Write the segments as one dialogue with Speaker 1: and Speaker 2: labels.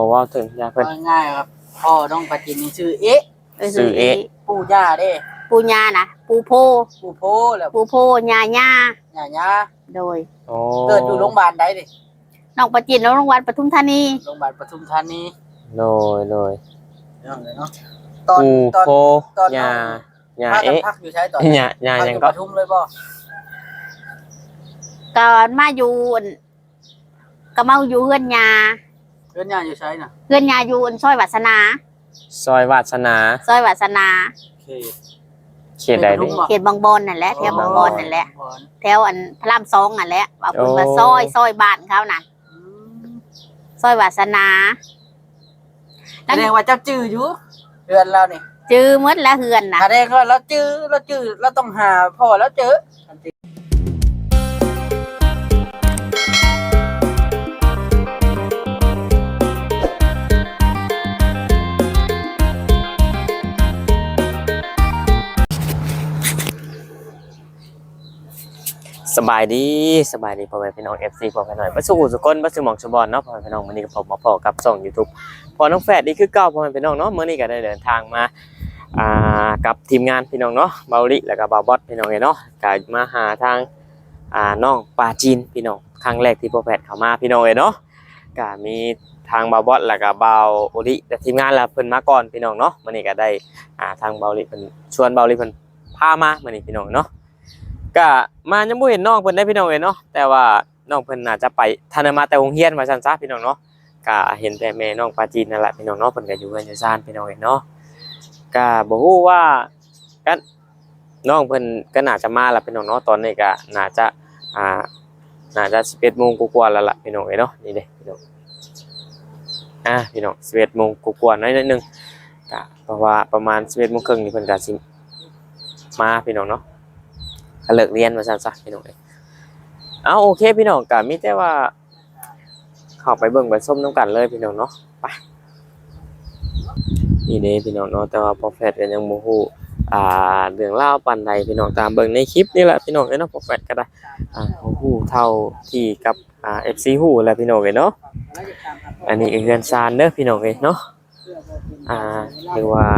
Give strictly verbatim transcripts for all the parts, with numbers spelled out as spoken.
Speaker 1: บอกว่าถึงยาเพิ่น
Speaker 2: ง่ายๆครับพ่อน้องปลาจินนี่ชื่อเอ๊ะ
Speaker 1: ชื่อเอ๊ะ
Speaker 2: ปู่ย่าเด้
Speaker 3: ปูญานะปูโพ
Speaker 2: ปู่โพแล้ว
Speaker 3: ปูโพญาญา
Speaker 2: ย่าย่า
Speaker 3: โดย
Speaker 2: เกิดอยู่โรงพยาบาลใดดิ
Speaker 3: น้องปลาจินโรงพยาบาลปทุมธานี
Speaker 2: โรงพยาบาลปทุมธานี
Speaker 1: โดยโดย
Speaker 2: เนาะตอน
Speaker 1: ตอนตอนยาญาเอ๊ะ
Speaker 2: พักอยู่ใช้ตอน
Speaker 1: ญาญายังก็
Speaker 2: ปทุมเลยบ่
Speaker 3: ก่อนมาอยู่ก็มาอยู่เฮือนยา
Speaker 2: เฮือนยาอยู่ใช้น่ะ
Speaker 3: เฮือนยาอยู่ซอยวาสนา
Speaker 1: ซอยวาสนา
Speaker 3: ซอยวาสนา
Speaker 2: เขต
Speaker 1: เขตใดดิ
Speaker 3: เขตบางบอนนั่นแหละแถวบางบอนนั่นแหละแถวอันพระรามสองนั่นแหละว่าเพิ่นว่าซอยซอยบ้านเขานั่นซอยวาสนา
Speaker 2: แสดงว่าเจ้าจื้ออยู่เฮือนเรานี่
Speaker 3: จื้อหมดแล้วเฮือนน่ะ
Speaker 2: แสดงว่าเราจื้อเราจื้อเราต้องหาพ่อแล้วเจอ
Speaker 1: สบายดีสบายดีพ่อแม่พี่น้อง เอฟ ซี พ่อแม่หน่อยมาสู่สุกลมาสู่หม่องสุบอนเนาะพ่อแม่พี่น้องมื้อนี้ก็ผมมาพอกับช่อง YouTube พอน้องแฝดนี่คือเก่าพ่อแม่พี่น้องเนาะมื้อนี้ก็ได้เดินทางมาอ่ากับทีมงานพี่น้องเนาะเบาลิแล้วก็บ่าวบอสพี่น้องเนาะก็มาหาทางอ่าน้องปลาจีนพี่น้องครั้งแรกที่พ่อแฝดเข้ามาพี่น้องเนาะก็มีทางบ่าวบอสแล้วก็บ่าวโอลิและทีมงานแล้วเพิ่นมาก่อนพี่น้องเนาะมื้อนี้ก็ได้อ่าทางเบาลิเพิ่นชวนเบาลิเพิ่นพามามื้อนี้พี่น้องเนาะก็มายังบ่เห็นน้องเพิ่นได้พี่น้องเอ้ยเนาะแต่ว่าน้องเพิ่นน่าจะไปทันมาแต่โรงเรียนว่าซั่นซะพี่น้องเนาะก็เห็นแต่แม่น้องปลาจีนนั่นแหละพี่น้องเนาะเพิ่นก็อยู่เรือนอยู่ซ่านพี่น้องเอ้ยเนาะก็บ่ฮู้ว่ากันน้องเพิ่นก็น่าจะมาแล้วพี่น้องเนาะตอนนี้ก็น่าจะอ่าน่าจะสิบเอ็ดโมงกว่าๆแล้วล่ะพี่น้องเอ้ยเนาะนี่เด้พี่น้องอ่ะพี่น้องสิบเอ็ดโมงกว่าๆน้อยนิดนึงก็เพราะว่าประมาณสิบเอ็ดโมงครึ่งนี่เพิ่นก็สิมาพี่น้องเนาะเลิกเรียนมาซะพี่น้องเอ้ยเอาโอเคพี่น้องก็มีแต่ว่าเข้าไปเบิ่งไปส้มน้ำกันเลยพี่น้องเนาะไปนี่เด้พี่น้องเนาะแต่ว่าพอแฟดก็ยังบ่ฮู้อ่าเรื่องราวปานใดพี่น้องตามเบิ่งในคลิปนี่แหละพี่น้องเอ้ยเนาะพอแฟดก็ได้อ่าฮู้เท่าที่กับอ่า เอฟ ซี ฮู้แหละพี่น้องเอ้ยเนาะอันนี้เรือนซานเด้อพี่น้องเอ้ยเนาะอ่าหรือว่า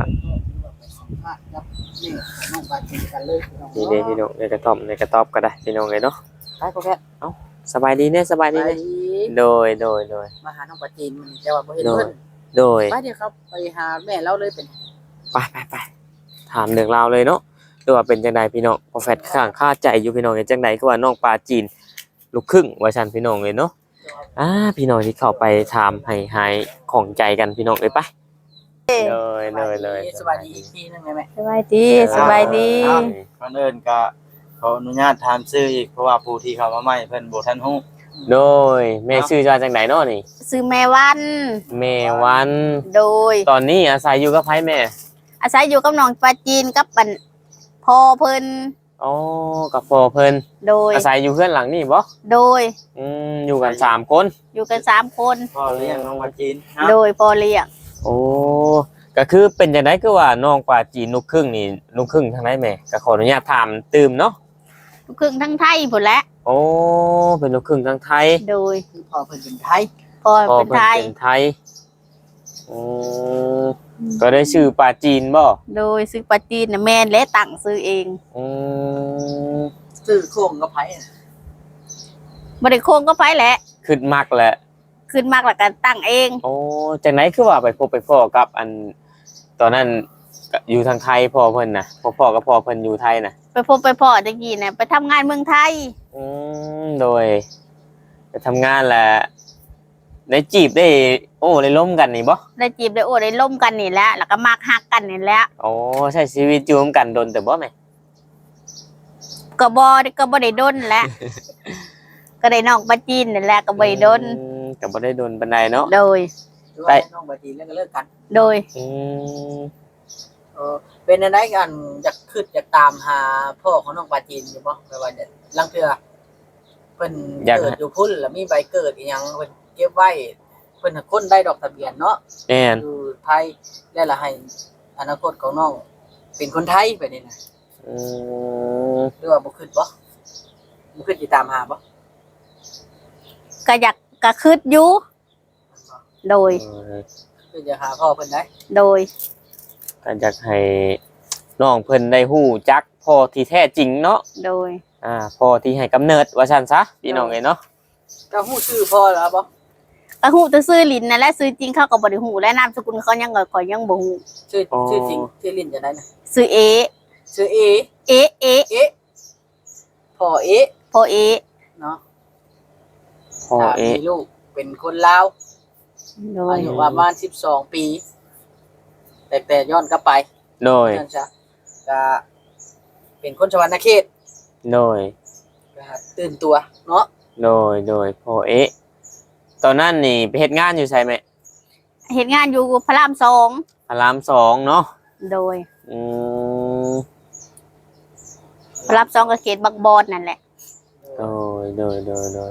Speaker 1: นี่เด้พี่น้องในกระท่อมในกระต๊อบก็ได้พี่น้องเลยเนาะ
Speaker 2: ไปพ่อแพทย์
Speaker 1: เอ้าสบายดีเนี่ยสบายดีเนี่ยโดยโดยโดย
Speaker 2: มาหาน้องปลาจีนมันแต่ว่าบ่เห็นเพิ่น
Speaker 1: โดย
Speaker 2: ไปเดี๋ยวครับไปหาแม่เราเลยเป็น
Speaker 1: ไปไปไปถามเรื่องราวเลยเนาะดูว่าเป็นจังไดพี่น้องพอแฟดข้างค่าใจอยู่พี่น้องเป็นจังไดคือว่าน้องปลาจีนลูกครึ่งว่าซั่นพี่น้องเลยเนาะอ่าพี่น้องที่เข้าไปถามให้หายของใจกันพี่น้องเลยไปเลยเลยเลย
Speaker 2: สบายดีอีกทีนึงไหมแม่
Speaker 3: สบายดีสบายดี
Speaker 4: ก่อนอื่นก็ขออนุญาตถามชื่ออีกเพราะว่าผู้ที่เข้ามาใหม่เพิ่นบ่ทันฮู้
Speaker 1: โดยแม่ชื่อจังได๋เนาะนี่
Speaker 3: ชื่อแม่วัน
Speaker 1: แม่วัน
Speaker 3: โดย
Speaker 1: ตอนนี้อาศัยอยู่กับไผแม่
Speaker 3: อาศัยอยู่กับน้องปลาจีนกับปันพ่อเพิ่น
Speaker 1: อ๋อกับพ่อเพิ่น
Speaker 3: โดย
Speaker 1: อาศัยอยู่เฮือนหลังนี้บ่
Speaker 3: โดย
Speaker 1: อืมอยู่กันสามคน
Speaker 3: อยู่กันสามคน
Speaker 4: พ่อเลี้ยงน้องปลาจีน
Speaker 3: โดยพ่อเลี้ยง
Speaker 1: โอ้ก็คือเป็นจังได๋คือว่าน้องปลาจีนลูกครึ่งนี่ลูกครึ่งทางไหนแม่ก็ขออนุญาตถามตื่มเนาะ
Speaker 3: ลูกครึ่งทั้งไทยพุ่นแหละ
Speaker 1: โอ้เป็นลูกครึ่งทั้งไทย
Speaker 3: โดย
Speaker 2: คือพ่อเพิ่นเป็นไทย
Speaker 3: พ่อเป็นไทย
Speaker 1: เป็นไทยอือก็ได้ชื่อปลาจีนบ่
Speaker 3: โดยชื่อปลาจีนน่ะแม่นและตั้งชื่อเอง
Speaker 1: อือ
Speaker 2: ชื่อโค้งกับไผ
Speaker 3: บ่ได้โค้งก็ไผแหละ
Speaker 1: ขึ้นมักแหละ
Speaker 3: ขึ้นมักแล้วก็ตั้งเอง
Speaker 1: โอ้จังได๋คือว่าไปพบไปพ้อกับอันตอนนั้นอยู่ทางไทยพ่อเพิ่นน่ะพ่อพ่อกับพ่อเพิ่นอยู่ไทยน่ะ
Speaker 3: ไปพบไปพ่อตะกี้น่ะไปทำงานเมืองไทย
Speaker 1: อืมโดยไปทำงานแหละได้จีบได้โอ้ได้ล้มกันนี่บ่
Speaker 3: ได้จีบได้โอ้ได้ล่มกันนี่แหละแล้วก็มักฮักกันนี่แหละ
Speaker 1: โอ้ใช้ชีวิตอยู่ร่วมกันดนแต่บ่แม่
Speaker 3: ก็บ่ก็บ่ได้ดนแหละก็ได้น้องปลาจีนนี่แหละก็บ่ได้ดน
Speaker 1: ก็บ่ได้ดนปานใดเนาะ
Speaker 3: โดย
Speaker 2: ไปน้องปลาจีนแล้วก็เลิกกัน
Speaker 3: โดย
Speaker 1: อืม
Speaker 2: เออเป็นอะไรกันอยากขึ้นอยากตามหาพ่อของน้องปลาจีนอยู่บ่ไปว่าจะลังเทื่อเพิ่นเกิดอยู่พุ่นแล้วมีใบเกิดอีหยังเพิ่นเก็บไว้เพิ่นคนได้ดอกทะเบียนเนาะ
Speaker 1: แม่น
Speaker 2: อยู่ไทยแล้วล่ะให้อนาคตของน้องเป็นคนไทยไปนี่นะ
Speaker 1: อือ
Speaker 2: หรือว่าบ่ขึ้นบ่บ่ขึ้นสิตามหาบ่
Speaker 3: ก็อยากก็คิดอยู่โดย
Speaker 1: เออ
Speaker 2: คือจะหาพ่อเพิ่นได้
Speaker 3: โดย
Speaker 1: ก็อยากให้น้องเพิ่นได้ฮู้จักพ่อที่แท้จริงเนาะ
Speaker 3: โดย
Speaker 1: อ่าพ่อที่ให้กำเนิดว่าซั่นซะพี่น้องเอ้ยเนาะ
Speaker 2: ก็ฮู้ชื่อพ่อแล้วบ่
Speaker 3: ก็ฮู้แต่ซื้อลิ้นนั่นแหละซื้อจริงเขาก็บ่ได้ฮู้และนามสกุลเขายังก็ก็ยังบ่ฮู้
Speaker 2: ชื่อชื่อจริงชื่อลิ้นจะได้นะ
Speaker 3: ซื้อเอ
Speaker 2: ชื่อเอ
Speaker 3: เอเอ
Speaker 2: เอ๊ะพ่อเอ๊ะ
Speaker 3: พ่อเอ
Speaker 2: เนาะ
Speaker 1: พ่อ
Speaker 2: ถ้า
Speaker 1: เอ๊ะ
Speaker 2: มีลูกเป็นคนลาว
Speaker 3: โดย
Speaker 2: อายุประมาณสิบสองปี แต่แต่ย้อนกลับไป
Speaker 1: โดย
Speaker 2: นั่นจ้ะก็เป็นคนชวรรณเขต
Speaker 1: โดย
Speaker 2: นะครับตื่นตัวเนาะ
Speaker 1: โดยโดยพ่อเอ๊ะตอนนั้นนี่ไปเฮ็ดงานอยู่ไสแม่
Speaker 3: เฮ็ดงานอยู่พระรามสอง
Speaker 1: พระรามสองเนาะ
Speaker 3: โดย
Speaker 1: อืม
Speaker 3: พระรามสองก็เขตบางบอนนั่นแหละ
Speaker 1: โดยโดยโดยโดย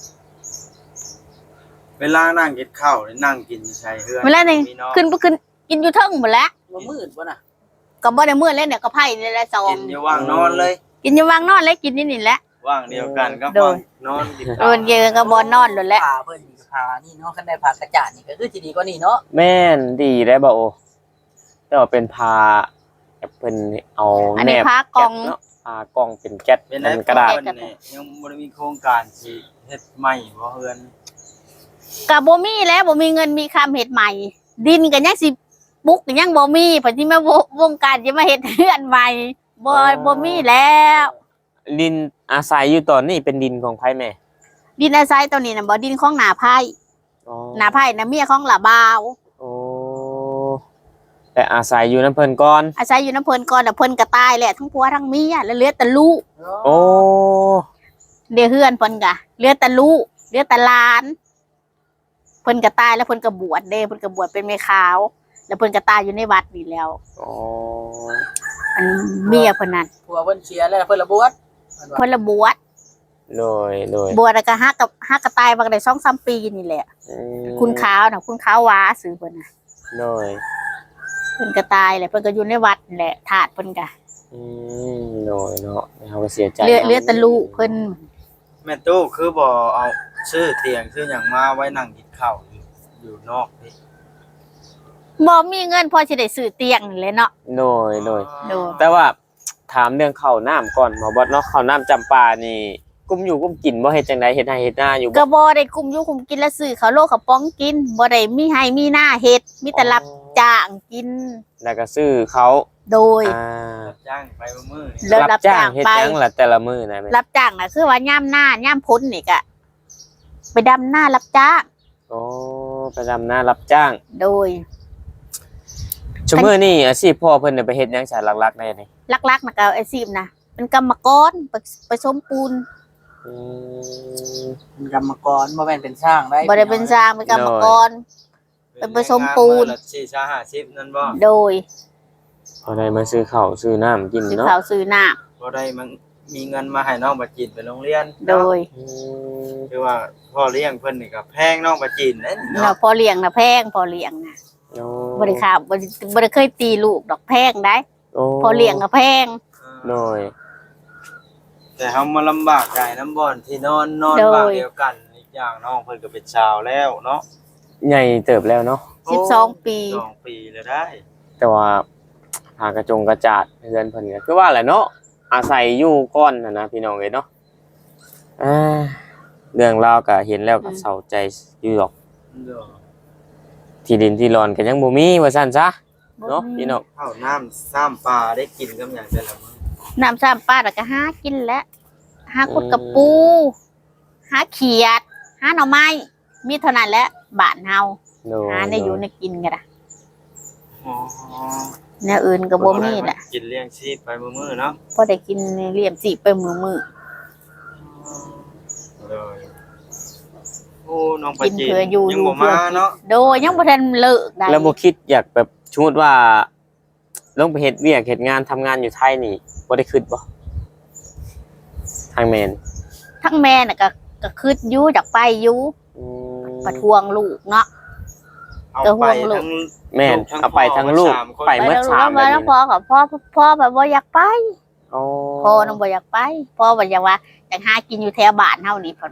Speaker 4: เวลานั่งกินข้าวนี่นั่งกินอยู่ใช่เฮือน
Speaker 3: เวลานี่
Speaker 4: มีน้อง
Speaker 3: ขึ้นไปขึ้นกินอยู่เทิงหมดแล้ว
Speaker 2: ว่ามืดบ่น่ะ
Speaker 3: ก็บ่ได้มื้อแล้วเนี่ยก็ไผนี่แหละสอง
Speaker 4: กินอยู่ว่างนอนเลย
Speaker 3: กินอยู่วางนอนแล้วกินนี่นี่แหละ
Speaker 4: ว่างเดียวกันก็
Speaker 3: โด
Speaker 4: ว่าง
Speaker 3: ย
Speaker 4: นอนกิน
Speaker 3: โดนเยอะก็บ่นอนโดนแล้ว
Speaker 2: พาเพิ่นนี่พานี่เนาะคันได้พากระจาดนี่ก็คือสิดีกว่านี่เนาะ
Speaker 1: แม่นดีได้บ่โอแต่ว่าเป็นพาแบบเพิ่นเอา
Speaker 3: อัน
Speaker 1: แน
Speaker 3: นี้
Speaker 1: บ
Speaker 3: พากล่อง
Speaker 1: เนาะพากล่องเป็นแก๊ส
Speaker 4: เป็น
Speaker 1: เป็
Speaker 4: ไร
Speaker 1: นกระดาษ
Speaker 4: เพิ่นนี่ยังบ่ได้มีโครงการสิเฮ็ดใหม่บ่เฮือน
Speaker 3: ก็บ่มีแล้วบ่มีเงินมีคำเฮ็ดใหม่ ดินก็ยังสิปุกก็ยังบ่มีเพิ่นสิมาววงการสิมาเฮ็ดเฮือนใหม่บ่บ่มีแล้ว
Speaker 1: ดินอาศัยอยู่ตอนนี้เป็นดินของไผแม่
Speaker 3: ดินอาศัยตัวนี้น่ะบ่ดินของหน้าไผ
Speaker 1: อ๋อ
Speaker 3: หน้าไผน่ะเมียของละบ่าว
Speaker 1: โอ้แต่อาศัยอยู่น้ำเพิ่นก่อน
Speaker 3: อาศัยอยู่น้ำเพิ่นก่อนแล้วเพิ่นก็ตายแหละทั้งผัวทั้งเมียแล้วเหลือแต่ลูก
Speaker 1: โอ้
Speaker 3: เดี๋ยวเฮือนเพิ่นก็เหลือแต่ลูกเหลือแต่หลาน เพิ่นก็ตายแล้วเพิ่นก็บวชเด้เพิ่นก็บวชเป็นแม่ขาว แล้วเพิ่นก็ตายอยู่ในวัดนี่แล้ว
Speaker 1: อ๋อ
Speaker 3: อันเมียเพิ่นนั่น
Speaker 2: ผัวเพิ่นเสียแล้วเพิ่นละบวชเพิ่นว่า
Speaker 3: เพิ่นละบวช
Speaker 1: โดยโดย
Speaker 3: บวชแล้วก็ฮักกับฮักก็ตายมาได้สองสามปีนี่แหละ
Speaker 1: อืม
Speaker 3: คุณขาวน่ะคุณขาวหวาซื้อเพิ่นน่ะ
Speaker 1: โดย
Speaker 3: เพิ่นก็ตายแหละเพิ่นก็อยู่ในวัดนี่แหละธาตุเพิ่นก็
Speaker 1: อืมโดยเนาะเขาก็เสียใจ
Speaker 3: เหลือเหลือแต่ลูกเพิ่น
Speaker 4: แม่ตู้คือบ่เอาซื้อเตียงซื้อหยังมาไว้นั่งกินข้าวอยู่อยู่นอกนี่
Speaker 3: บ่มีเงินพอสิได้ซื้อเตียงนี่แหละเนาะ
Speaker 1: โดยโดย
Speaker 3: โดย
Speaker 1: แต่ว่าถามเรื่องข้าวน้ำก่อนหมอบอสเนาะข้าวน้ำจำปานี่กุ้มอยู่กุ้มกินบ่เฮ็ดจังไดเฮ็ดให้เฮ็ดหน้าอยู่บ่
Speaker 3: ก็บ่ได้คุมอยู่คุมกินแล้วซื้อข้าวโลกข้าวป้องกินบ่ได้มีให้มีหน้าเฮ็ดมีแต่รับจ้างกิน
Speaker 1: แล้วก็ซื้อเขา
Speaker 3: โดย
Speaker 1: อ่า
Speaker 4: จ้างไปมื้อนี่
Speaker 3: แล้ว
Speaker 1: รับจ้างเฮ็ด
Speaker 3: ไป
Speaker 1: หยังล่ะแต่ละมื้อนะแม่
Speaker 3: รับจ้างน่ะคือว่าย่ามหน้าย่ามพ้นนี่ก็ไปดำหน้ารับจ้าง
Speaker 1: โอ้ไปดำนารับจ้าง
Speaker 3: โดย
Speaker 1: ชั่วมื้อนี้อาชีพพ่อเพิ่นน่ะไปเฮ็ดหยังสารหลักๆได้นี่
Speaker 3: ลักๆน่ะก็อาชีพนะเป็นกรรมกรไปไปสมปูน
Speaker 1: อืม
Speaker 2: เป็นกรรมกรบ่แม่นเป็นช่างได้
Speaker 3: บ่ได้เป็นช่างเป็นกรรมกร เป็นผสมปูน
Speaker 4: ละสี่ชาห้าสิบนั่นบ่
Speaker 3: โดย
Speaker 1: พอได้มาซื้อข้าวซื้อน้ำกิน
Speaker 3: ซื้อ
Speaker 1: เนาะ
Speaker 3: ข้าวซื้อน้
Speaker 4: บ่ได้มันมีเงินมาให้น้องบัจินไปโรงเรียน
Speaker 3: ำโดย
Speaker 1: อืม
Speaker 4: คือว่าพ่อเลี้ยงเพิ่นนี่ก็แพงน้องบัจินเด้
Speaker 3: เนาะ
Speaker 4: เนาะ
Speaker 3: พอเลี้ยงน่ะแพงพอเลี้ยงน่ะ
Speaker 1: โอ้
Speaker 3: บ่ได้ค่ะบ่ได้บ่ได้เคยตีลูกดอกแพงได้
Speaker 1: โอ้
Speaker 3: พอเลี้ยงก็แพง
Speaker 1: โดย
Speaker 4: แต่เฮามาลำบากใจน้ำบ่อนที่นอนนอน
Speaker 3: โดย
Speaker 4: บ้านเดียวกันอีกอย่างน้องเพิ่นก็เป็นชาวแล้วเนาะ
Speaker 1: ใหญ่เติบแล้วเนาะ
Speaker 3: สิบสองปี
Speaker 4: สองปีแล้วได้
Speaker 1: แต่ว่าหากระจงกระจาดเรือนเพิ่นก็คือว่าแหละเนาะอาศัยอยู่ก้อนน่ะนะพี่น้องเอ้ยเนาะอ่าเรื่องราวก็เห็นแล้วก็เศร้าใจอยู่ดอก
Speaker 4: เด้อ
Speaker 1: ที่ดินที่รอนก็ยังบ่มีว่าซั่นซะเนาะพี่น้อง
Speaker 4: ข้าวน้ำซ้ำปลาได้กินกับหยังแต่ละมื้อ
Speaker 3: น้ำซ้ำปลาแล้วก็หากินแล้วหาคุดกับปู หาเขียด หาหน่อไม้ มีเท่านั้นแหละบ้านเฮา
Speaker 1: โดย
Speaker 3: หาได้อยู่ได้กินกันล่ะ
Speaker 4: อ๋อ
Speaker 3: แนวอื่นก็บ่มีแหละ
Speaker 4: กินเลี้ยงชีพไปมื้อๆเนาะ
Speaker 3: พอได้กินเลี้ยมสิไปมือมือ
Speaker 4: เลยโอ้น้องไป
Speaker 3: กิน
Speaker 4: จีน
Speaker 3: เพื่ออยู่
Speaker 4: ยังบ่
Speaker 3: อยู่เพื่อ
Speaker 4: มาเนาะ
Speaker 3: โดยยังบ่ทันเลิกได้
Speaker 1: แล้วบ่คิดอยากแบบสมมุติว่าลงไปเฮ็ดเวียกเฮ็ดงานทำงานอยู่ไทยนี่บ่ได้คิดบ่ทางแม่น
Speaker 3: ทั้งแม่น่ะก็ก็คิดอยู่อยากไปอยู่
Speaker 1: อืม
Speaker 3: ประท้วงลูกเนาะ
Speaker 4: เอา
Speaker 3: ก็ห่
Speaker 4: ไป
Speaker 3: วงลูก
Speaker 4: ทั้ง
Speaker 1: แม่น
Speaker 4: ทั้ง
Speaker 1: เอาไป
Speaker 4: พ่อ
Speaker 1: ทั้งลูก
Speaker 4: สามคน
Speaker 1: ไป
Speaker 3: ไป
Speaker 1: เมื่อ
Speaker 3: แล้ว
Speaker 1: สาม
Speaker 3: แล้ว
Speaker 1: แบบ
Speaker 3: แล้ว
Speaker 1: นี้
Speaker 3: พ่อกับพ่อพ่อแบบบ่อยากไป
Speaker 1: อ๋อ
Speaker 3: พ่อน่ะบ่อยากไปพ่อบ่อยากว่าอยากหากินอยู่แถวบ้านเฮานี่เพิ่นว่า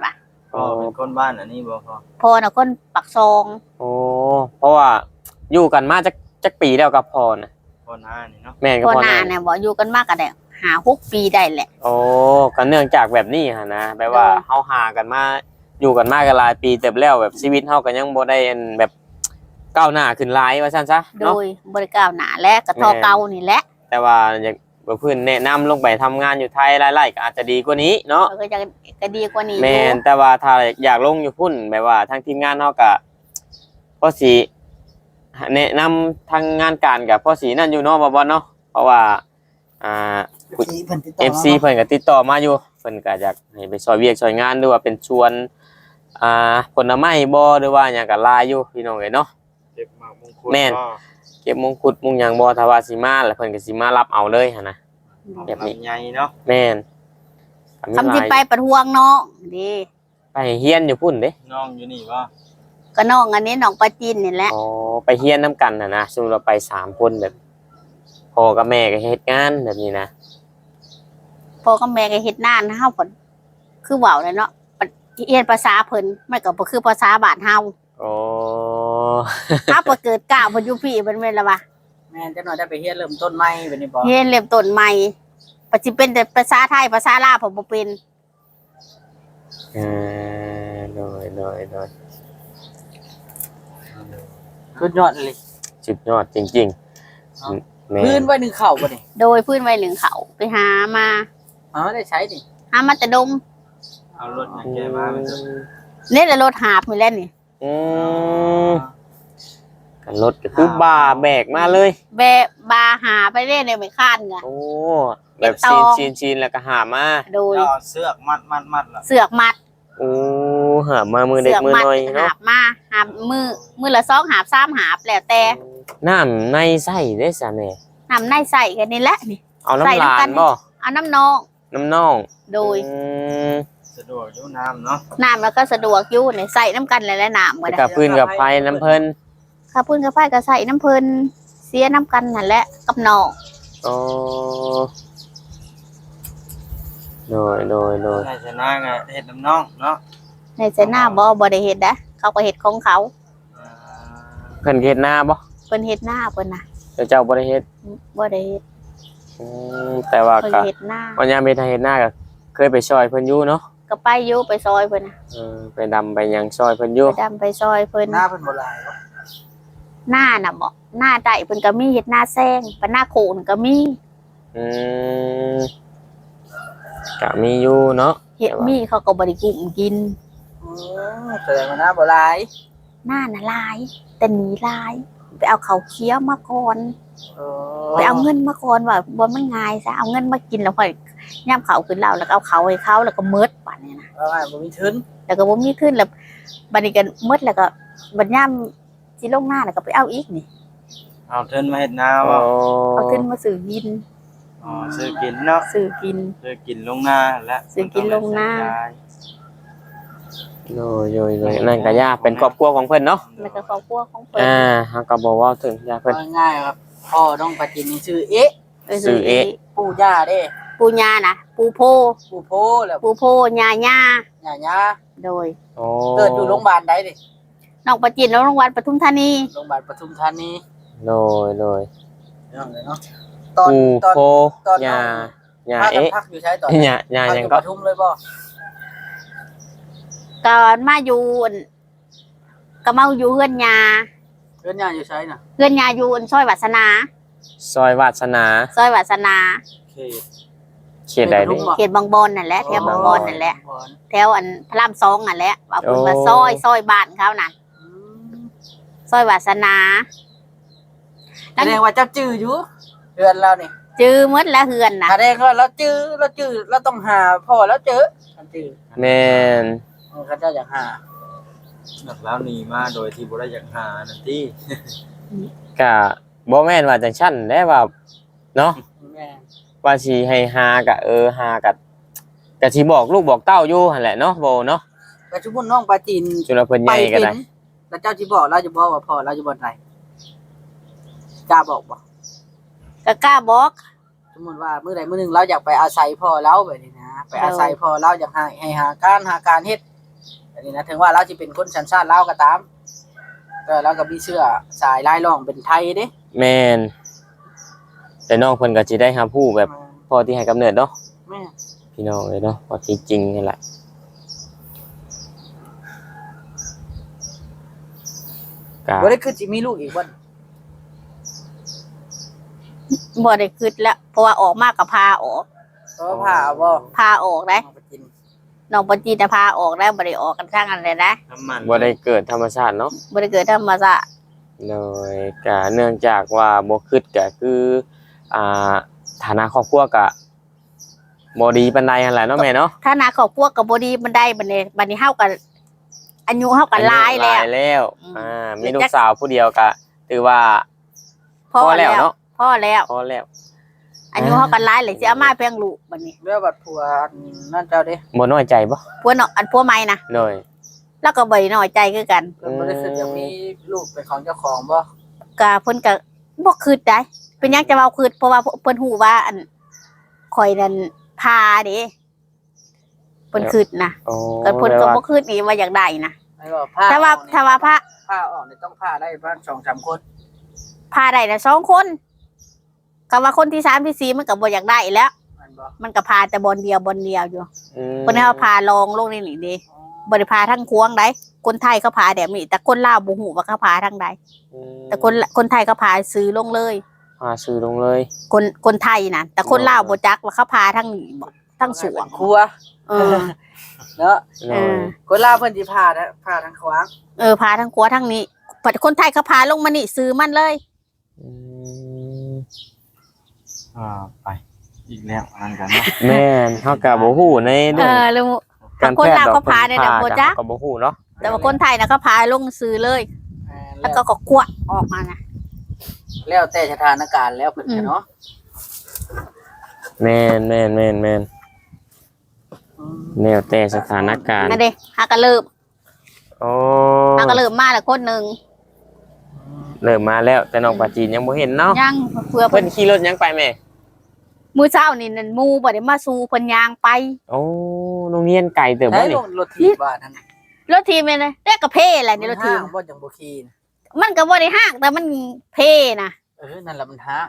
Speaker 4: พ่อเป็นคนบ้านอันนี้บ่พ่อ
Speaker 3: พ่อน่ะคนปักซอง
Speaker 1: โอ้เพราะว่าอยู่กันมาจักจักปีแล้วกับพ่อน่ะ
Speaker 4: พ่อหน้านี่เนาะ
Speaker 1: แม่นกับ
Speaker 3: พ่อ
Speaker 1: พ่อ
Speaker 3: หน้า
Speaker 1: น่ะ
Speaker 3: เนี่ยบ่อยู่กันมากก็ได้หาหกปีได้แหละ
Speaker 1: โอ้ก็เนื่องจากแบบนี้หั่นนะแปลว่า
Speaker 3: เออ
Speaker 1: เฮาหากันมาอยู่กันมากันหลายปีเต็มแล้วแบบชีวิตเฮาก็ยังบ่ได้อันแบบก้าวหน้าขึ้นหลายว่าซั่นซะ
Speaker 3: โด
Speaker 1: เนาะ
Speaker 3: ยบริการหนาและกระทอ
Speaker 1: แม่
Speaker 3: เก่านี่แหละ
Speaker 1: แต่ว่าอยากบ่เพิ่นแนะนำลงไปทำงานอยู่ไทยหลายๆก็อาจจะดีกว่านี้เนาะ
Speaker 3: มันก็จะก็ดีกว่านี้อ
Speaker 1: แม่
Speaker 3: ยู่
Speaker 1: นแต่ว่าถ้าอยากลงอยู่พุ่นแบบว่าทางทีมงานเฮาก็พอสิแนะนำทางงานการกับพอสินั่นอยู่เนาะบ่บ่เนาะเพราะว่าอ่า
Speaker 2: เพิ่นติดต่อ
Speaker 1: เอฟ ซี เพิ่นก็ติดต่อมาอยู่เพิ่นก็อยากให้ไปช่วยเวียกช่วยงานหรือว่าเป็นชวนอ่าผลไม้บ่หรือว่าหยังก็หลายอยู่พี่น้องเอ้ยเนาะ
Speaker 4: เก็บหมากมงคล
Speaker 1: แม่น
Speaker 4: ก็
Speaker 1: เก็บมงกุฎมงหยังบ่ถ้าว่าสิมาแล้วเพิ่นก็สิมารับเอาเลยหั่นนะ แบบนี้
Speaker 4: ลำไยเนาะ
Speaker 1: แม่นก็มี
Speaker 3: คำที่
Speaker 1: หลาย
Speaker 3: ไปประท้วงน้องดี
Speaker 1: ไปเฮียนอยู่พุ่นเด้
Speaker 4: น้องอยู่นี่บ่
Speaker 3: ก็น้องอันนี้น้องปลาจีนนี่แหละ
Speaker 1: อ๋อไปเฮียนนํกันน่ะนะซึ่งเราไปสามคนแบบพ่อกับแม่ก็เฮ็ดงานแบบนี้นะ
Speaker 3: พ่อกับแม่ก็เฮ็ดนานเฮาผลคือเว้าเลยเนาะเรียนภาษาเพิ่นมันก็บ่คือภาษาบ้านเฮา
Speaker 1: โอ้
Speaker 3: ถ้าบ่เกิดกล้าวเพิ่นอยู่พี่เพิ่นแม่นละวะ
Speaker 2: แม่นจักหน่อยได้ไปเฮียนเริ่มต้นใหม่บัดนี้บ่
Speaker 3: เรียนเริ่มต้นใหม่ปัจจุบันแต่ภาษาไทยภาษาลาวผมบ่เป็น
Speaker 1: เออโดยโดยโดย
Speaker 2: สุดยอดเลย
Speaker 1: สุดยอดจริงๆแม่
Speaker 2: พื้นไว้หนึ่งเข่าบ่นี่
Speaker 3: โดยพื้นไว้หนึ่งเขาไปหามา
Speaker 2: อ๋อได้ใช้นี่
Speaker 3: หามาแต่ดง
Speaker 4: เอารถอย่างแกมามันจะ
Speaker 3: นี่แหละรถหาบนี่แหละนี่
Speaker 1: อืมกันรถก็คือบ่าแบกมาเลย
Speaker 3: แบะบาหาไปเรื่อยในไม่คาดไง
Speaker 1: โอ้แบบ
Speaker 3: เก็บตอ
Speaker 1: ชี
Speaker 3: ง
Speaker 1: นชีนชีนแล้วก็หามา
Speaker 3: โดย
Speaker 4: แล้วเอาเสือกมัดมัดมัดล่ะ
Speaker 3: เสือกมัด
Speaker 1: โอ้หามามือเด็ก
Speaker 3: เสือก
Speaker 1: มือ
Speaker 3: มัด
Speaker 1: น้อย
Speaker 3: หา
Speaker 1: เนาะ
Speaker 3: บมาหาบมือมือละสองหาบสามหาบแล้วแต่
Speaker 1: น้ำในไส้ได้ซะแม่
Speaker 3: นำในใส่กันนี่แหละนี่
Speaker 1: เอา
Speaker 3: ใส่
Speaker 1: น้ำลา
Speaker 3: น้ำกั
Speaker 1: น
Speaker 3: น
Speaker 1: บ่
Speaker 3: เอาน้ำนอง
Speaker 1: น้ำน่อง
Speaker 3: โดย
Speaker 1: อืม
Speaker 4: สะดวกอยู่น้ำเนาะ
Speaker 3: น้ำแล้วก็สะดวกอยู่ในใส่น้ำกันเลยและน้ำก็
Speaker 1: แล้ว
Speaker 3: ได้
Speaker 1: กับพื้นกับไฟน้ำเพิ่น
Speaker 3: ข้าวปุ้นข้าวไผ่ก็ใส่น้ำเพลินเสียน้ำกันนั่นแหละกับนอง
Speaker 1: โอ้โดยโดยโดย
Speaker 4: ใช่ชนะไงเห็ดน้ำน้องเนาะ
Speaker 3: ในใส่หน้าบ่บ่ได้เฮ็ดนะเขาก็เฮ็ดของเขา
Speaker 4: อ่า
Speaker 1: เพิ่นเฮ็ดหน้าบ่
Speaker 3: เพิ่นเฮ็ดหน้าเพิ่นน่ะ
Speaker 1: เจ้าเจ้าบ่ได้เฮ็ด
Speaker 3: บ่ได้เฮ็ด
Speaker 1: อืมแต่ว่า
Speaker 3: เพิ่น
Speaker 1: ก็
Speaker 3: เฮ็ดหน้า
Speaker 1: วันยามเฮ็ดให้เฮ็ดหน้าก็เคยไปช่วยเพิ่นอยู่เนาะ
Speaker 3: ก็ไปอยู่ไปซอยเพิ่นน่ะ
Speaker 1: เออไปดำไปหยังช่วยเพิ่นอยู่
Speaker 3: ไปดำไปซอยเพิ่น
Speaker 2: หน้าเพิ่นบ่หลายบ่
Speaker 3: หน้าน่ะบ่หน้าใดเพิ่นก็มีเฮ็ดหน้าแซงปหน้าโขนก็มี
Speaker 1: อืมก็มีอยู่เนาะ
Speaker 3: เฮ็ดมีเขาก็บ่ได้กุ้มกิน
Speaker 2: อือแสดงว่าหน้าบ่หลาย
Speaker 3: หน้าน่ะหลาย แต่หนีหลาย ไปเอาเขาวเคี้ยวมาก่อน
Speaker 2: เออ
Speaker 3: ไปเอาเงินมาก่อนว่าบ่มันง่ายซะเอาเงินมากินแล้วค่อยย่ำเขาขึ้นเหล้าแล้วก็เอาเขาให้เขาแล้วก็มืดบัดนี้นะ
Speaker 2: เอาไงบ่มีทุน
Speaker 3: แล้วก็บ่มีขึ้นแล้วบัดนี้ก็มืดแล้วก็บัดย่ำสิลงหน้าแล้วก็ไปเอาอีกนี่
Speaker 4: เอาเทินมาเห็ดนา
Speaker 1: โอ้
Speaker 4: บ่
Speaker 3: เอาขึ้นมาซื้อกิน
Speaker 4: อ๋อซื้อกินเนาะ
Speaker 3: ซื้อกิน
Speaker 4: ซื้อกินลงหน้าและ
Speaker 3: ซื้อกินลงหน้า
Speaker 1: โดยโดยโดยนั่นก็ยากเป็นครอบครัวของเพิ่นเนาะ
Speaker 3: แล้วก็ครอบครัวของเพิ่น
Speaker 1: อ่าเฮาก็บ่เว้าถึงยาเพิ่น
Speaker 2: เอาง่ายๆครับพ่อน้องปลาจินนี่ชื่อเอ๊ะ
Speaker 3: ไป
Speaker 1: ซื้อเอ๊ะ
Speaker 2: ปู่ย่าเด้
Speaker 3: ปูญาน่ะ ปูโพ
Speaker 2: ปู่โพแล้ว
Speaker 3: ปูโพญาญา
Speaker 2: ย่าย่า
Speaker 3: โดย
Speaker 1: โอ้
Speaker 2: เกิดอยู่โรงพยาบาลใดดิ
Speaker 3: น้องประจิตรโรงพยาบาลปทุมธานี
Speaker 2: โรงพยาบาลปทุมธานี
Speaker 1: โดยโดย
Speaker 2: เรื่องเลยเนาะตอน
Speaker 1: ปู
Speaker 2: ตอน
Speaker 1: โพ
Speaker 2: ตอน
Speaker 1: ยา
Speaker 2: น้อง
Speaker 1: ยา
Speaker 2: พากัน
Speaker 1: เอ๊ะ
Speaker 2: พักอยู่ใช้ตอน
Speaker 1: ยายา
Speaker 2: พัก
Speaker 1: ห
Speaker 2: อ
Speaker 1: ยัง
Speaker 2: ยู่
Speaker 1: ก็
Speaker 2: ปทุมเลยบ่
Speaker 3: ก็มาอยู่อั่นก็มาอยู่เฮือนยา
Speaker 2: เรื่องย่าอยู่ใช้น่ะ
Speaker 3: เฮือนยาอยู่อั่นซอยวาสนา
Speaker 1: ซอยวาสนา
Speaker 3: ซอยวาสนา
Speaker 2: เขต
Speaker 1: เขตใดนี่
Speaker 3: เขตบางบอนนั่นแหละแถวบางบอนนั่นแหละ
Speaker 2: บอน
Speaker 3: แถวอันพระรามสองนั่นแหละว่าเพิ่นว่า
Speaker 1: โอ้
Speaker 3: ซอยซอยบ้านเขานั่น
Speaker 2: อืม
Speaker 3: ซอยวาสนา
Speaker 2: แสดงว่าเจ้าจื้ออยู่เดือนเรานี่
Speaker 3: จื้อหมดแล้วเฮือนน่ะ
Speaker 2: แสดงว่าเราจื้อเราจื้อเราต้องหาพ่อแล้วเจอกันจื้อ
Speaker 1: แม่น
Speaker 2: เออเขาเจ้าอยากหา
Speaker 4: แบบแล้วหนีมาโดยที่บ่ได้อยากหานั่นติ
Speaker 1: ก็บ่แม่นว่าจังซั่นแด้ว่าเนาะ
Speaker 2: แม่
Speaker 1: ว่าสิให้หากะเออหากะก็สิบอกลูกบอกเต้าอยู่หั่นแหละเนาะบ่เนาะ
Speaker 2: แต่ชุมพลน้องปลาจีน
Speaker 1: จุลเพิ่นให
Speaker 2: ไป
Speaker 1: ญ่ก็
Speaker 2: เป็น
Speaker 1: ได้
Speaker 2: แล้วเจ้าที่บอกเราจะบอกว่าพ่อเราจะบ่ไหนกล้าบอกบ่
Speaker 3: ก็กล้าบอก
Speaker 2: สมมติว่ามื้อใดมื้อหนึงเราอยากไปอาศัยพ่อเราแบบนี้นะไปอาศัยพ่อเราอยากให้ให้หาการหาการเฮ็ดอันนี้นะถึงว่าเราสิเป็นคนสัญชาติลาวก็ตามแต่เราก็มีเชื้อสายลายล่องเป็นไทยเด้
Speaker 1: แม่นแต่น้องเพิ่นก็สิได้รับรู้แบบพ่อที่ให้กำเนิดเนาะ
Speaker 2: แม่
Speaker 1: พี่น้องเลยเนาะว่าที่จริงนี่แหละกะ
Speaker 2: บ่ได้คือสิมีลูกอีกบ่
Speaker 3: บ่ได้คิดแล้วเพราะว่าออกมากกับพาออก
Speaker 2: เพราะผ่าบ่
Speaker 3: พาออกได้
Speaker 2: เอาไปกิน
Speaker 3: น้องปจีจะพาออกได้บ่ได้ออกกันทั้งอันเลยนะ
Speaker 4: น้ำมัน
Speaker 1: บ่ได้เกิดธรรมชาติเนาะ
Speaker 3: บ่ได้เกิดธรรมชาติ
Speaker 1: เลยกะเนื่องจากว่าบ่คิดก็คืออ่าฐานะครอบครัวก็บ่ดีปานใดนั่นแหละเนาะแม่เนาะ
Speaker 3: ถ้านาครอบครัวก็บ่ดีมันได้บัดนี้บัดนี้เฮาก็อายุเฮาก็หลายแล้ว
Speaker 1: หลายแล้ว
Speaker 3: อืม
Speaker 1: อ่ามีลูกสาวผู้เดียวก็ถือว่า
Speaker 3: พอ
Speaker 1: พอแล้
Speaker 3: แล้ว ว
Speaker 1: เนาะ
Speaker 3: พอแล้ว
Speaker 1: พอแล้ว
Speaker 3: อายุเฮาก็หลายเลยสิเอามาเพียงลูกบัดนี้
Speaker 2: เรื่องบัดผัวนั่นเจ้าเด้
Speaker 1: บ่น้อยใจบ่
Speaker 3: ผัวเนาะอันผัวใหม่นะ
Speaker 1: เลย
Speaker 3: แล้วก็บ่ได้น้อยใจคือกัน
Speaker 2: เพิ่นบ่ได้คิดจะมีลูกเป็นของเจ้าของบ่
Speaker 3: ก็เพิ่นก็บ่คิดได้เป็นหยังจะเว้าคิดเพราะว่าเพิ่นฮู้ว่าอันข่อยนั่นพาเด้เพิ่นคิดนะ
Speaker 1: โอ้
Speaker 3: ก็เพิ่นก็
Speaker 1: แปล
Speaker 3: บ่
Speaker 1: ว่า
Speaker 3: คิดอีว่าอยากได้นะ
Speaker 2: ให้ว่าผ้า
Speaker 3: ถ้าว่า
Speaker 2: ออกนี่
Speaker 3: ถ้าว่าพระ
Speaker 2: ผ้าออกนี่ต้องผ้าได้บ้าน สองสาม คน
Speaker 3: พาได้นะสองคนก็ว่าคนที่สามที่สี่มันก็บ่อยากได้อีกแล้ว
Speaker 2: มันบ่
Speaker 3: มันก็พาแต่บนเดียวบนเดียวอยู่
Speaker 1: อืม
Speaker 3: เพิ่นให้เขาพาลองลงนี่นี่เด้บ่ได้พาทั้งควงได้คนไทยเขาพาแบบนี้แต่คนลาวบ่ฮู้ว่าเขาพาทางใด
Speaker 1: อืม
Speaker 3: แต่คนคนไทยเขาพาซื้อลงเลย
Speaker 1: พาซื้อลงเลย
Speaker 3: คนคนไทยน่ะแต่คนลาวบ่จักว่าเขาพาทางนี้บ่ทางสวง
Speaker 2: ครัว
Speaker 3: เออ
Speaker 2: เนาะ
Speaker 1: เล
Speaker 3: เอย อ
Speaker 2: คนลาวเพิ่นสิผ้านะผ้าทางขวาง
Speaker 3: เออพาทางขวาทางนี้ปัดคนไทยเขาพาลงมานี่ซื้อมันเลย
Speaker 1: อืม
Speaker 4: อ่าไปอีกแล้วอันกันเนาะ
Speaker 1: แม่นเฮาก็บ่ฮู้ใน
Speaker 3: เอ
Speaker 1: เรื่อง
Speaker 3: อแล้ว
Speaker 1: การ
Speaker 3: คน
Speaker 1: แพท
Speaker 3: ลาว
Speaker 1: ย์ดอก
Speaker 3: เขาพาได้แต่บ่จัก
Speaker 1: ก็บ่ฮู้เนาะ
Speaker 3: แต่ว่าคนไทยน่ะเขาพาลงซื้อเลย
Speaker 2: อ่า
Speaker 3: แล้
Speaker 2: แล้ว ว
Speaker 3: ก็ก็กวดออกมานะ
Speaker 2: แล้วแต่สถานการณ์แล้วเพิ่นก็เนาะ
Speaker 1: แม่นแม่นแม่นแม่น
Speaker 2: อืม
Speaker 1: แล้วแต่สถานการณ์
Speaker 3: นั่นเด้หาก็เริ่ม
Speaker 1: โอ้
Speaker 3: หาก็เริ่มมาแล้วคนหนึง
Speaker 1: เริ่มมาแล้วแต่น้องปลาจีนยังบ่เห็นเนาะ
Speaker 3: ยังเพื่อ
Speaker 1: เพิ่
Speaker 3: เพิ่
Speaker 1: น
Speaker 3: น
Speaker 1: ขี่รถยังไปแม่
Speaker 3: มื้อเช้านี่นั่นหมู่บ่ได้มาสู่เพิ่นย่างไป
Speaker 1: โอ้โรงเรียนไกลเติบบ่
Speaker 2: ให้
Speaker 1: นี่
Speaker 2: ลงรถถีบว่านั่น
Speaker 3: รถทีมเลยได้กระเพแหละนี่รถทีม
Speaker 2: ห้างบ่จังบ่ขี่นะ
Speaker 3: มันก็บ่ได้ห้างแต่มันเพนะ
Speaker 2: เออนั่นแหละมันห้าง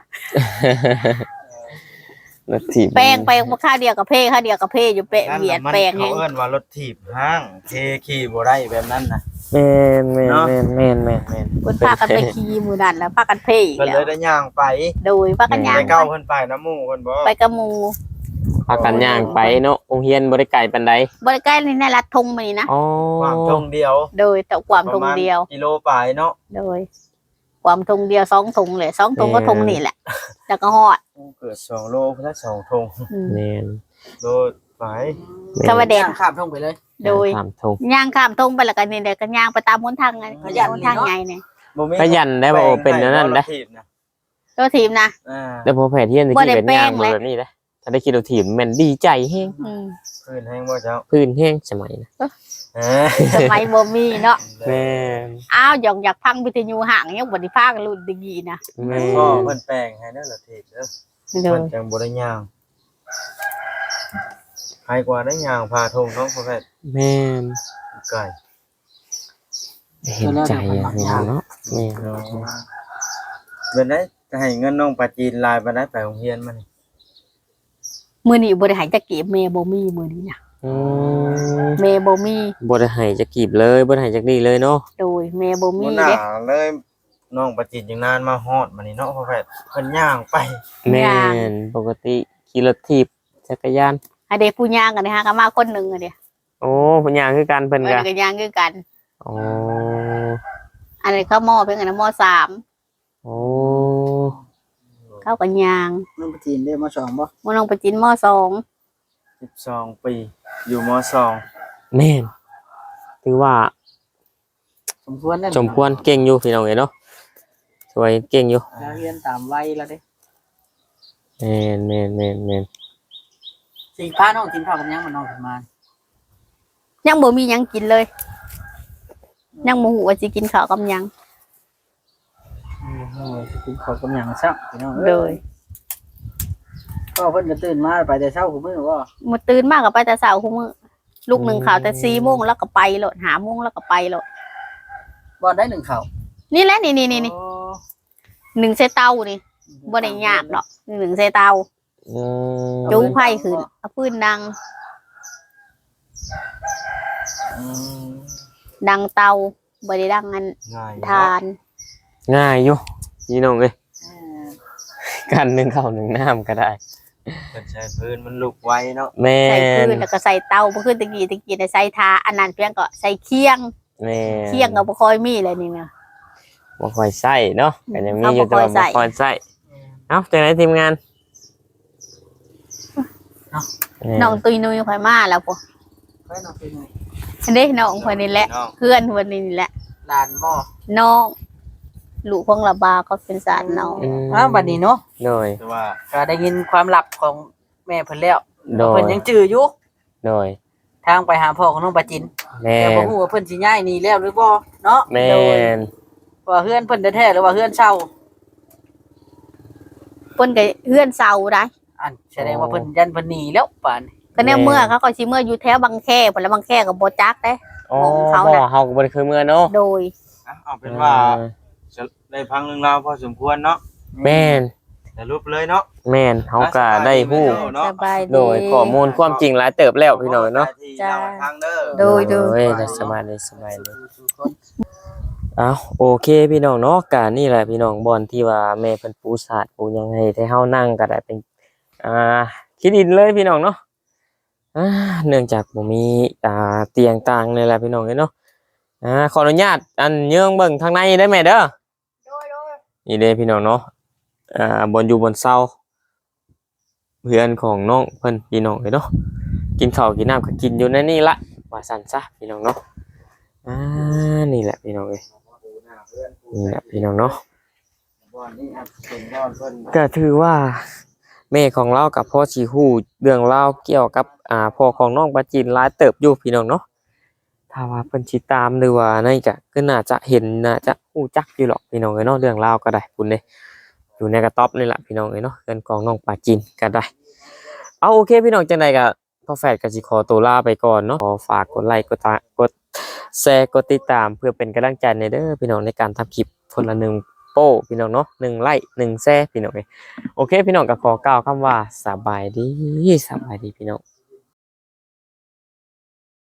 Speaker 1: รถถีบ
Speaker 3: แปลงไปบ่ข้าวเดียวกับเพข้าวเดียวกับเพอยู่เปะ
Speaker 4: นั่น
Speaker 3: เบีย
Speaker 4: น่ะ
Speaker 3: ด
Speaker 4: มัน
Speaker 3: แปลง
Speaker 4: เขา
Speaker 3: ให้
Speaker 4: เอิ้นว่ารถถีบห้างเทขี่บ่ได้แบบนั้นนะ
Speaker 1: แม่นแม่น
Speaker 4: เนาะ
Speaker 1: แม่นแม่นแม่นแม่น
Speaker 3: เพิ่นพากันไปขี่มื้อนั้นแล้วพากันเพอีก
Speaker 4: เพิ่น
Speaker 3: แล้
Speaker 4: เล
Speaker 3: วย
Speaker 4: ได้ย่างไป
Speaker 3: โดยพากันย่าง
Speaker 4: ไป
Speaker 3: ไป
Speaker 4: เก้าเพิ่นไปน้ำหมู่เพิ่นบ่
Speaker 3: ไปกับหมู่
Speaker 1: พากันย่างไปเนาะโรงเรียนบ่ได้ไกลปานใด
Speaker 3: บ่ได้ใกล้ในรัดทงมานี่นะ
Speaker 1: อ๋อ
Speaker 4: ความตรงเดียว
Speaker 3: โดยแต่ความทงเดียว
Speaker 4: ประมาณกิโลปลายเนาะ
Speaker 3: โดย ความทงเดียวสองทงเลยสองทงก็ทงนี่แหละแล้วก็ฮอด
Speaker 4: เกิดสองโลเพิ่นละสองธง
Speaker 3: อืม
Speaker 1: แม่น
Speaker 4: โลปลาย
Speaker 3: สวัสดี
Speaker 2: ย่างข้ามทงไปเลย
Speaker 3: โดย
Speaker 1: ถามทง
Speaker 3: ย่างข้ามทงไปแล้วก็นี่เดี๋ยวก็ย่างไปตามหนทางไง
Speaker 2: ขยัน
Speaker 3: หน
Speaker 2: นี่
Speaker 3: ทาง
Speaker 2: เนาะ
Speaker 3: ไงเนี่ย
Speaker 4: บ่มี
Speaker 1: ขยันได้บ่เป็นอันนั้นได้
Speaker 4: รถถีบนะ
Speaker 3: ตัวทีมนะ
Speaker 4: อ่า
Speaker 1: แต่พอแผนเที่ยนสิ
Speaker 3: บ่ได้
Speaker 1: เป็นย่าง
Speaker 3: แป้งเลย
Speaker 1: แบบนี้เด้ถ้าได้ขี่รถถีบแม่นดีใจแฮง
Speaker 3: อืม
Speaker 4: พื้นแห้งบ่เจ้า
Speaker 1: พื้นแฮงสมัยนะ
Speaker 4: เออ
Speaker 3: สมัยบ่มีเนาะ
Speaker 1: แม่น
Speaker 3: อ้าวอยากอยากพังวิทยุห่างยังบ่ได้ฟังรุ่นดีๆนะ
Speaker 1: แม่
Speaker 4: พ่อ
Speaker 1: น
Speaker 4: เพิ่นแปลงให้เด้อรถถีบเด้อ
Speaker 3: โด
Speaker 4: เพิ่
Speaker 3: ย
Speaker 4: นจังบ่ได้ย่างใครกว่าได้ย่างพาธงท้องพ่อแพทย์
Speaker 1: แม่น
Speaker 4: ไก่
Speaker 1: เห็นใจอ่ะเนาะแม่น
Speaker 4: เนาะเป็นได้จะให้เงินน้องปลาจีนลายไปได้ไปโรงเรียนมานี่
Speaker 3: มื้อนี้บ่ได้ให้จักเก็บแม่บ่มีมื้อนี้นะ
Speaker 1: อืม
Speaker 3: แม่บ่มี
Speaker 1: บ่ได้ให้จักกีบเลยบ่ได้ให้จักดีเลยเนาะ
Speaker 3: โดยแม่บ่มี
Speaker 4: มื้อหน้า
Speaker 3: เด้
Speaker 4: เลยน้องปลาจีนยังนานมาฮอดมานี่เนาะพ่อแพทย์เพิ่นย่างไป
Speaker 1: แม่นปกติขี่รถถีบจักรยาน
Speaker 3: อันเด้ผู้ย่างกันนะฮะก็มาคนหนึงอันเด้
Speaker 1: โอ้เพิ่นย่างคือกันเพิ่น
Speaker 3: เอ
Speaker 1: ก็
Speaker 3: อก็ย่างคือกัน
Speaker 1: อ๋อ
Speaker 3: อันนี้เขามอเพิ่นกันนะมสาม
Speaker 1: โอ้
Speaker 3: เขาก็ย่าง
Speaker 2: น้องปจีนได้มาสองบ่
Speaker 3: มน้องไปจินมสอง
Speaker 4: สิบสองปีอยู่มสอง
Speaker 1: แม่นถือว่า
Speaker 2: สมควรนั่น
Speaker 1: สมควรเก่งอยู่พี่น้องเอ้ยเนาะสวยเก่งอยู่
Speaker 2: เราเรียนตามวัยแล้วเด้
Speaker 1: แม่นแม่นแม่นแม่น
Speaker 2: สิพาน้องกินข้าวกับหยังมันน้องขึ้นมา
Speaker 3: ยังบ่มีหยังกินเลย ยังบ่ฮู้ว่าสิกินข้าวกับหยัง
Speaker 2: โอ้ยกินข้าวกับหยังซักพี่น้อง
Speaker 3: โด
Speaker 2: เอ้
Speaker 3: ย
Speaker 2: ยก็เพิ่นก็ตื่นมาไปแต่เช้าคุมื้อว่า
Speaker 3: มื้อตื่นมาก็ไปแต่เช้าคุมื้อลูกหนึ่งข่าวแต่สี่โมงแล้วก็ไปโลดหาโมงแล้วก็ไปโลด
Speaker 2: บ่ได้หนึ่งเขา
Speaker 3: นี่แหละนี่นี่นี่นี่
Speaker 2: โอ้
Speaker 3: หนึ่งใส่เตานี่บ่ได้ยากดอกหนึ่งใส่เตา
Speaker 1: อืม
Speaker 3: จูไผ่ขึ้นเอาพื้นดัง
Speaker 2: อืม
Speaker 3: ดังเตาบ่ได้ดังอัน
Speaker 4: ง่าย
Speaker 3: ทาน
Speaker 1: ง่ายอยู่พี่น้องเอ้ย
Speaker 2: อืม
Speaker 1: กันหนึ่งข้าวหนึ่งน้ำก็ได้
Speaker 4: เพิ่นใช้พื้นมันลุกไว้เนาะ
Speaker 1: แม่
Speaker 3: ใส่พื้
Speaker 1: น
Speaker 3: นแล้วก็ใส่เตาบ่คือตะกี้ตะกี้ได้ใส่ทาอันนั้นเพียงก็ใส่เคียง
Speaker 1: แม่น
Speaker 3: เคียงก็บ่ค่อยมีเลยนี่นะ
Speaker 1: บ่ค่อยใส่เนาะก็ยังมีอยู่
Speaker 3: เอาบ่
Speaker 1: แต่
Speaker 3: ค่อยใส่
Speaker 1: ว่าบ่ค่อยใส่เอ้าจังได๋ทีมงาน
Speaker 3: น้องตุยนุยค่อยมาแล้วพ่อ
Speaker 2: เฮ้ยน้องเป็นไง
Speaker 3: เด้น้องเพิ่นนี่แหละ
Speaker 4: น้อง
Speaker 3: เพื่อนเพิ่นนี่แหละ
Speaker 2: ลานบ่
Speaker 3: น้องลูกของระบาก็เป็นสารน้อง
Speaker 1: อืม
Speaker 2: อ้าวบัดนี้เนาะ
Speaker 1: โดย
Speaker 4: แต่ว่า
Speaker 2: ก็ได้ยินความลับของแม่เพิ่นแล้ว
Speaker 1: โดย
Speaker 2: เพิ่นยังจื้ออยู่
Speaker 1: โดย
Speaker 2: ทางไปหาพ่อของน้องปาจิน
Speaker 1: แม่
Speaker 2: แต่บ่
Speaker 1: น
Speaker 2: ฮู้ว่าเพิ่นสิย้ายหนี่แล้วหรือบ่เนาะ
Speaker 1: แม่
Speaker 2: โดย
Speaker 1: น
Speaker 2: ว่าเฮือนเพิ่นแท้ๆหรือว่าเฮือนเช่า
Speaker 3: เพิ่นก็เฮือนเซาได้
Speaker 2: อันแสดงว่าเพิ่นยันเพิ่นหนีแล้วป่านนี้
Speaker 3: ก็แน่เมื่อเขาก็สิเมื่ออยู่แถวบางแคพุ่นแล้วบางแคก็บ่จักเด้
Speaker 1: อ๋อ
Speaker 3: ของเขา
Speaker 1: บ่
Speaker 3: น่ะ
Speaker 1: เฮาก็บ่ได้เคยเมื่อเนาะ
Speaker 3: โดย
Speaker 4: อ่ะเอาเป็นว่าจะได้พังเรื่องราวพอสมควรเนาะ
Speaker 1: แม่น
Speaker 4: แต่รูปเลยเนาะ
Speaker 1: แม่นเฮาก็ได้ฮู้
Speaker 4: เนาะ
Speaker 3: สบายดี
Speaker 1: โดยข้อมูลความจริงหลายเติบแล้วพี่น้องเนาะ
Speaker 4: จ้าทางเด้อ
Speaker 3: โดยโดย
Speaker 1: โอ้สบายเลยสบายเลย อ้าวโอเคพี่น้องเนาะกานี่แหละพี่น้องบอลที่ว่าแม่เพิ่นปูสาดปูยังไงให้เฮานั่งก็ได้เป็นอ่าคิดอินเลยพี่น้องเนาะอ่าเนื่องจากบ่มีอ่าเตียงต่างนี่แหละพี่น้องเนาะอ่าขออนุญาตอันเยื่องเบิ่งทางในได้ไหมเด้อนี่เด้พี่น้องเนาะอ่าบนอยู่บนเสาเพื่อนของน้องเพิ่นพี่น้องเนาะกินข้าวกินน้ำก็กินอยู่ในนี่ละว่าซั่นซะพี่น้องเนาะอ่านี่แหละพี่น้องเอ้ย นี่แหละพี่น้องเนาะก็ถือว่าแม่ของเรากับพ่อชีฮู้เรื่องเล่าวเกี่ยวกับอ่าพ่อของน้องปาจินหลายเติบอยู่พี่น้องเนาะถ้าว่าเพิ่นสิตามหรือว่านั่นก็ก็น่าจะเห็นน่าจะฮู้จักอยู่หรอกพี่น้องเอ้ยเนาะเรื่องราวก็ได้พุ่นเด้อยู่ในกระต๊อบนี่แหละพี่น้องเอ้ยเนาะเรื่องของน้องปาจินก็ได้เอาโอเคพี่น้องจังไดก็พ่อแฝดก็สิขอตัวลาไปก่อนเนาะขอฝากกดไลค์กดตากดแชร์กดติดตามเพื่อเป็นกำลังใจในเด้อพี่น้องในการทำคลิปคนละหนึ่งโป้พี่น้องเนาะหนึ่งไลค์หนึ่งแชร์พี่น้องเอ้ยโอเคพี่น้องก็ขอกล่าวคำว่าสบายดีสบายดีพี่น้อง